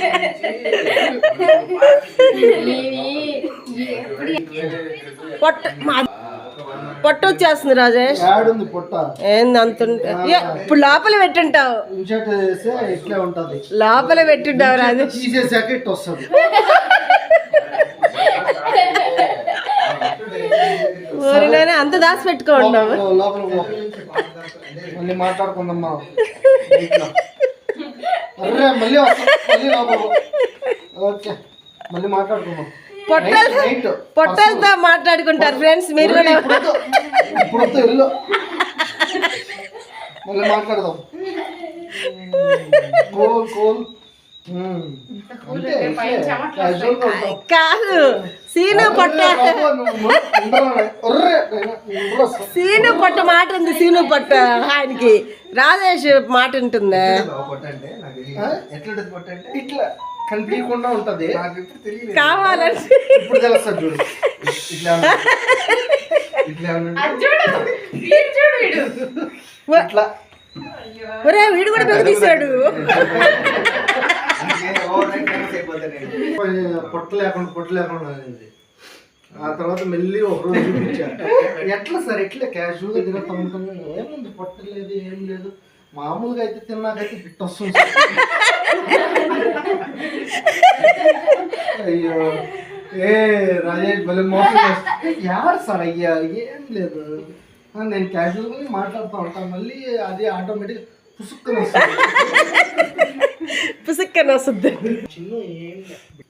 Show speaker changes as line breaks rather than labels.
పొట్ట వచ్చేస్తుంది రాజేష్. ఏంది అంత ఇప్పుడు లోపల పెట్టుంటావు, లోపల పెట్టుంటావు రాజేష్. ఊరిలోనే అంత దాచి పెట్టుకోండావు.
మాట్లాడుకుందామ్మా, మళ్ళీ మాట్లాడుకుందాం.
పొట్టలతో మాట్లాడుకుంటారు ఫ్రెండ్స్ మీరు కూడా.
ఇప్పుడు ఇల్లు మళ్ళీ మాట్లాడదాం.
కాదు సీను పొట్ట, సీను పొట్ట మాట ఉంది. సీను పొట్ట ఆయనకి రాజేష్ మాట ఉంటుందా?
ఇట్లా కనిపించకుండా ఉంటది
కావాలంటే
ఇప్పుడు తెలుస్తా చూడు. ఇట్లా
ఒరే వీడు కూడా పెద్ద తీసాడు.
పొట్ట లేకుండా ఆ తర్వాత మెల్లి ఒక రోజు చూపించారు. ఎట్లా సార్ ఎట్లా క్యాజువల్గా తిరుగుతూ ఉంటుంది, ఏముంది పొట్ట లేదు ఏం లేదు, మామూలుగా అయితే తిన్నాకైతే ఫిట్ వస్తుంది. అయ్యో ఏ రాజేష్ భలే మోసం ఎవరు సార్ అయ్యా, ఏం లేదు నేను క్యాజువల్గా మాట్లాడుతూ ఉంటాను, మళ్ళీ అది ఆటోమేటిక్ పుసుక్కని వస్తుంది.
పుసుక్కని వస్తుంది.
చిన్న ఏం